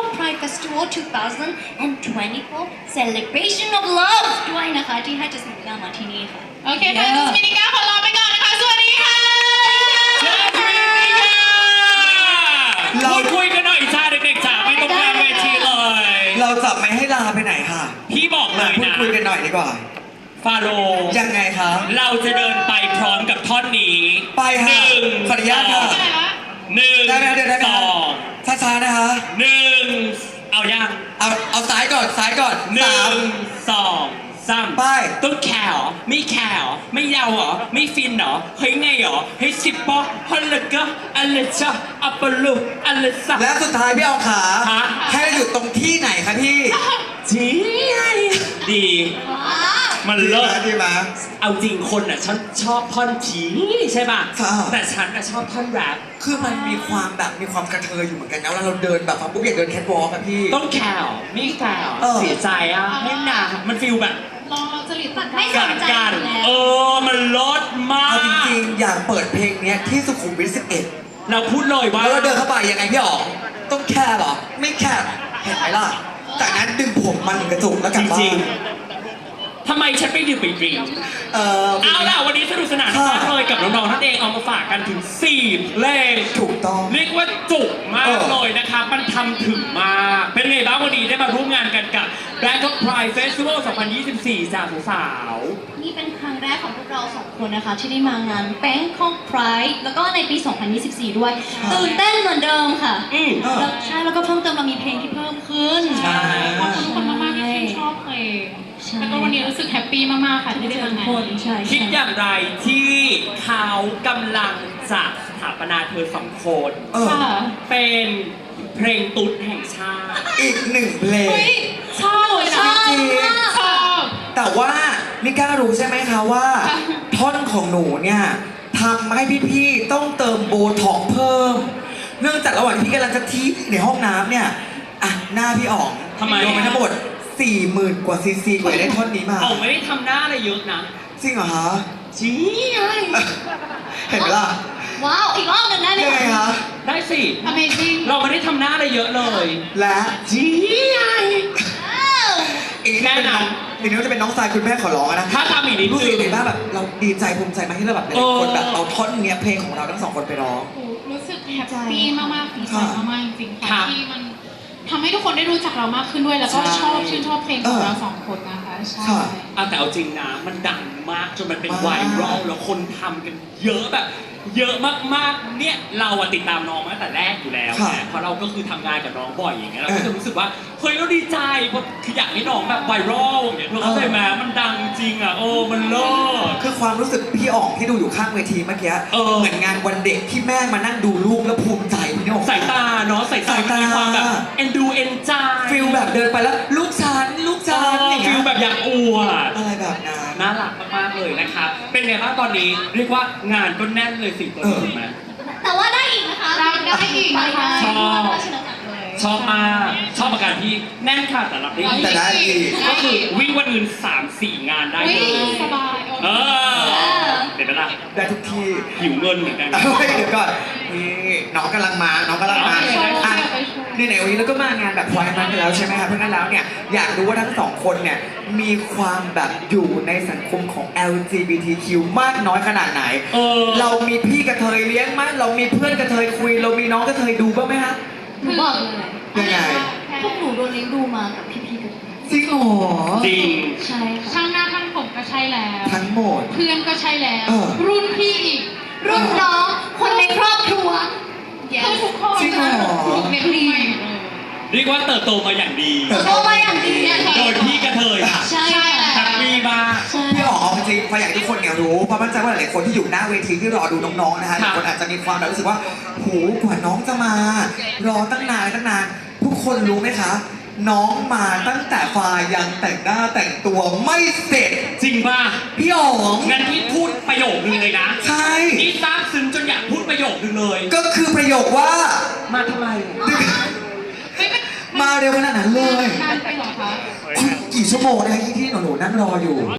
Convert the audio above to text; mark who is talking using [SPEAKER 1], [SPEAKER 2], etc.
[SPEAKER 1] Bangkok Pride Festival 2024 Celebration of Love ด้วยนะคะที่ให้จัสมินก้ามาที่นี่ค่ะ
[SPEAKER 2] โอเคค่ะจัสมินก้าขอลาไปก่อนนะคะสวัสดีค่ะ
[SPEAKER 3] พูดคุยกันหน่อยจ้าเด็กๆจ๋าไม่ต้องกลางเวทีเลย
[SPEAKER 4] เราจะไม่ให้ลาไปไหนค่ะ
[SPEAKER 3] พี่บอกเลย
[SPEAKER 4] พูด
[SPEAKER 3] นะ
[SPEAKER 4] คุยกันหน่อยดีกว่า
[SPEAKER 3] ฟาโรห์
[SPEAKER 4] ยังไงครับ
[SPEAKER 3] เราจะเดินไปพร้อมกับท่อนนี้
[SPEAKER 4] ไปค่ะ
[SPEAKER 3] หนึ่ง
[SPEAKER 4] ขออนุญาตค่ะ
[SPEAKER 2] ได้ละ
[SPEAKER 3] หนึ่ง
[SPEAKER 4] ได้ไหมเดี๋ยวได้ไหม
[SPEAKER 3] สอง
[SPEAKER 4] ช้าๆนะคะ
[SPEAKER 3] หนึ่งเอายัง
[SPEAKER 4] เอาซ้ายก่อนซ้ายก่อน
[SPEAKER 3] หนึ่
[SPEAKER 4] สาม
[SPEAKER 3] งสองสาม
[SPEAKER 4] ไป
[SPEAKER 3] ต้องแคร์เหรอไม่แคร์เหรอไม่เยาเหรอไม่ฟินเหรอเฮ้ยไงเหรอเฮ้ยสิบปอฮัลโหลก็อะไรจ้าอัปปะลุอะไรสัก
[SPEAKER 4] และสุดท้ายพี่เอาขา
[SPEAKER 3] ฮะ
[SPEAKER 4] ให้เราอยู่ตรงที่ไหนคะพี่
[SPEAKER 3] จีดี มันเลิศ
[SPEAKER 4] ดีไหม
[SPEAKER 3] เอาจริงคนอ่ะฉันชอบท่อนผีใช่ป่ะ
[SPEAKER 4] ค่ะ
[SPEAKER 3] แต่ฉันอ่ะชอบท่อนแรป
[SPEAKER 4] คือมันมีความแบบมีความกระเทยอยู่เหมือนกันนะเวลาเราเดินแบบปุ๊บอยากเดินแคทวอล์กอะพี่
[SPEAKER 3] ต้องแคร์ไม่แคร์
[SPEAKER 4] เออ
[SPEAKER 3] เสียใจอ่ะไม่หนามันฟีลแบบ
[SPEAKER 2] รอจริตตัด
[SPEAKER 1] ไม่ส
[SPEAKER 3] กาน
[SPEAKER 1] ใจ
[SPEAKER 3] กัน
[SPEAKER 1] อยู่แล้ว
[SPEAKER 3] มันลดมาก
[SPEAKER 4] เอาจริงๆอยากเปิดเพลงเนี้ยที่สุขุมวิท11
[SPEAKER 3] เราพูดเลยว่า
[SPEAKER 4] แล้วเราเดินเข้าไปยังไงพี่อ๋องต้องแคร์เหรอ ไม่แคร์เห็นไหมล่ะ จากนั้นดึงผมมันถึงกระจุกแล้วก
[SPEAKER 3] จ
[SPEAKER 4] ลับบ้า
[SPEAKER 3] ริง
[SPEAKER 4] น
[SPEAKER 3] ๆทำไมฉันไปดื่มไปดริง เอาล่ะวันนี้สนุกสนาน
[SPEAKER 4] ค่ะ
[SPEAKER 3] มากเลยกับน้องๆท่านเองเอามาฝากกันถึง4เพลง
[SPEAKER 4] ถูกต้อง
[SPEAKER 3] เรียกว่าจุกมาก
[SPEAKER 4] เออ
[SPEAKER 3] เลยนะครับมันทำถึงมาก เป็นไงบ้างวันนี้ได้มาร่วมงานกันกับ Bangkok Pride Festival 2024 จากสาว
[SPEAKER 1] นี่เป็นครั้งแรกของพวกเราสองคนนะคะที่ได้มางาน Bangkok Pride แล้วก็ในปี 2024 ด้วย ตื่นเต้นเหมือนเดิมค่ะ
[SPEAKER 3] ๆอืม
[SPEAKER 1] แล้วใช่แล้วก็เพิ่มเติมเรามีเพลงที่เพิ่มขึ้น
[SPEAKER 3] ใช่
[SPEAKER 2] ขอบคุณทุกคนมากๆที่ชื่นชอบเพลง
[SPEAKER 1] ใช่
[SPEAKER 2] แล้วก็วันนี้รู้สึกแฮปปี้มากๆค่ะที่ได้
[SPEAKER 1] เจอ
[SPEAKER 2] มางาน
[SPEAKER 1] คนใช่
[SPEAKER 3] คิดอ
[SPEAKER 1] ใช่
[SPEAKER 3] ย่างไรที่เขากำลังจะสถาปนาเธอสองคน
[SPEAKER 4] เออ
[SPEAKER 2] ค่ะ
[SPEAKER 3] เป็นเพลงตุ๊ดแห่งชาติ
[SPEAKER 4] อีกหนึ่งเพลง
[SPEAKER 2] เฮ้ยชอบเลย
[SPEAKER 1] ช
[SPEAKER 2] นะ
[SPEAKER 1] อบมาก
[SPEAKER 2] ชอบ
[SPEAKER 4] แต่ว่ามิก้ารู้ใช่ไหมคะว่า ท่อนของหนูเนี่ยทำให้พี่ๆต้องเติมโบท็อกซ์เพิ่ม เนื่องจากระหว่างที่พี่กำลังจะทีในห้องน้ำเนี่ยอ่ะหน้าพี่อ๋อง
[SPEAKER 3] ทำไม
[SPEAKER 4] ลงไปทั้งหมด 40,000 กว่าซีซีกว่าจะได้ท่อนนี้มา
[SPEAKER 3] เอาไม่ได้ทำหน้าอะไรเยอะนะ
[SPEAKER 4] จริงเหรอคะ
[SPEAKER 3] จี้ไง
[SPEAKER 4] เห็นไหมล่ะ
[SPEAKER 1] ว้าว อีกรอบหนึ่งได้ไหม
[SPEAKER 4] ยังไงคะ
[SPEAKER 3] ได้สิ
[SPEAKER 2] Amazing
[SPEAKER 3] เราไม่ได้ทำหน้าอะไรเยอะเลย
[SPEAKER 4] และ
[SPEAKER 3] จี้ไง
[SPEAKER 1] อ้าว
[SPEAKER 4] อีกนิดนึงอีกนิดนึงจะเป็นน้องทรายคุณแม่ขอร้องนะ
[SPEAKER 3] ถ้าทำอีกนิด
[SPEAKER 4] รู้สึก
[SPEAKER 3] นึง
[SPEAKER 4] ยังไงบ้างแบบเราดีใจภูมิใจมากที่เราแบบได้คนแบบเอาท่อนเนี้ยเพลงของเราทั้งสองคนไปร้อง
[SPEAKER 2] โอ้รู้สึกแฮปปี้มากๆดีใจ
[SPEAKER 4] ค่ะ
[SPEAKER 2] มากๆจริงๆ
[SPEAKER 3] ครั
[SPEAKER 2] ค่ะ
[SPEAKER 3] บ
[SPEAKER 2] ที่มันทำให้ทุกคนได้รู้จักเรามากขึ้นด้วย แล้วก็
[SPEAKER 3] ใช่
[SPEAKER 2] ชื่นชอบเพลงของเราสองคนนะคะใช่
[SPEAKER 4] ค่ะ
[SPEAKER 3] แต่เอาจริงนะมันดังมากจนมันเป็น
[SPEAKER 4] มาก
[SPEAKER 3] ไวรัลแล้วคนทำกันเยอะแบบ เยอะมากๆเนี่ยเราอะติดตามน้องมาตั้งแต่แรกอยู่แล้ว
[SPEAKER 4] ค่ะ
[SPEAKER 3] ไงเพราะเราก็คือทำงานกับน้องบ่อยอย่างเงี้ยเรา
[SPEAKER 4] เอ
[SPEAKER 3] ก็
[SPEAKER 4] อ
[SPEAKER 3] จะรู้สึกว่าเฮ้ยเราดีใจเพราะคืออยากให้น้องแบบไวรัลอย่างเงี้ยเธอเข้าใจไหมมันดังจริงอะมันเลิศ
[SPEAKER 4] คือความรู้สึกพี่อ๋องที่ดูอยู่ข้างเวทีเมื่อกี้
[SPEAKER 3] เออ
[SPEAKER 4] เหมือนงานวันเด็กที่แม่มานั่งดูลูกแล้วภูมิใจพี่อ๋อง
[SPEAKER 3] สายตาเนาะสายตา
[SPEAKER 4] สายตา
[SPEAKER 3] มีความแบบเอ็นดูเอ็นใจ
[SPEAKER 4] ฟิลแบบเดินไปแล้วลูกฉันอย่าง
[SPEAKER 3] ฟิ
[SPEAKER 4] เงี้
[SPEAKER 3] ล
[SPEAKER 4] ย
[SPEAKER 3] แบบอยากอวด
[SPEAKER 4] อะไรแบบนั้น
[SPEAKER 3] น่ารักมากๆเลยนะครับ เป็นไงบ้างตอนนี้เรียกว่างานก็แน่นเลยสิตัวถูกไหม
[SPEAKER 1] แต่ว่าได้อีกนะคะ
[SPEAKER 2] ได้อีกนะคะ
[SPEAKER 3] ชอบ
[SPEAKER 1] ชนะจักรเลย
[SPEAKER 3] ชอบมากชอบอาการที่แน่นค่ะแต่รับได้อีก
[SPEAKER 4] แต่ได้อีก
[SPEAKER 3] ก็คือวิ่งวันอื่น 3-4 งานได้
[SPEAKER 2] อุ๊ย
[SPEAKER 3] เลย
[SPEAKER 2] สบาย
[SPEAKER 3] เออเห็นไหมล่ะ
[SPEAKER 4] ได้ทุกที่
[SPEAKER 3] หิวเงินเหมือนกัน
[SPEAKER 4] เฮ้ยเดี๋ยวก่อนนี่น้องกำลังมาน้องกำลังมา
[SPEAKER 3] โอเค
[SPEAKER 4] อ่ะนี่ในวันนี้เราก็มางานแบบพลอยมันไปแล้วใช่ไหมครับเพราะฉะนั้นแล้วเนี่ยอยากรู้ว่าทั้งสองคนเนี่ยมีความแบบอยู่ในสังคมของ LGBTQ มากน้อยขนาดไหน เรามีพี่กระเทยเลี้ยงมั้ยเรามีเพื่อนกระเทยคุย เรามีน้องกระเทยดูบ้างไหมฮะ
[SPEAKER 1] หนูบอกเลย
[SPEAKER 4] ยังไง
[SPEAKER 1] พวกหนูโดนเลี้ยงดูมากับพี่ๆกัน
[SPEAKER 4] จริงเหรอ
[SPEAKER 3] จริง
[SPEAKER 1] ใช่ค่ะ
[SPEAKER 2] ช่างหน้าช่างผมก็ใช่แล้ว
[SPEAKER 4] ทั้งหมด
[SPEAKER 2] เพื่อนก็ใช่แล้ว
[SPEAKER 4] เออ
[SPEAKER 2] รุ่นพี่อีก
[SPEAKER 1] รุ่นน้องคนในครอบครัว
[SPEAKER 2] ทุกคน
[SPEAKER 4] จริงเหรอ
[SPEAKER 2] ทุกเด็กรุ่นใหม่หมดเลย
[SPEAKER 3] เรียกว่าเติบโตมาอย่างดี
[SPEAKER 1] โตมาอย่างดี
[SPEAKER 3] โดยพี่กระเทยค่ะ
[SPEAKER 1] ใช่
[SPEAKER 2] ใช่
[SPEAKER 3] แฮปปี้มาก
[SPEAKER 1] ใช่
[SPEAKER 4] พี่อ๋อจริงๆพออยากให้ทุกคนเนี่ยรู้เพราะมั่นใจว่าหลายๆคนที่อยู่หน้าเวทีที่รอดูน้องๆนะฮะ
[SPEAKER 3] ค
[SPEAKER 4] ห
[SPEAKER 3] รับ
[SPEAKER 4] ลายคนอาจจะมีความแบบรู้สึกว่าโหกว่าน้องจะมา รอตั้งนานทุกคนรู้ไหมคะ น้องมาตั้งแต่ฟ้ายังแต่งหน้าแต่งตัวไม่เสร็จ
[SPEAKER 3] จริงป่ะ
[SPEAKER 4] พี่อ๋อง
[SPEAKER 3] งั้นพี่พูดประโยคนึงเลยนะ
[SPEAKER 4] ใช่
[SPEAKER 3] นี่ซาบซึ้งจนอยากพูดประโยคนึงเลย
[SPEAKER 4] ก็คือประโยคว่า
[SPEAKER 3] มาทำไม
[SPEAKER 4] มาเร็วขนาดนั้นเลย
[SPEAKER 2] นานไปเหรอคะ
[SPEAKER 4] คุณกี่ชั่วโมงนะคะที่หนูๆนั่งรออยู่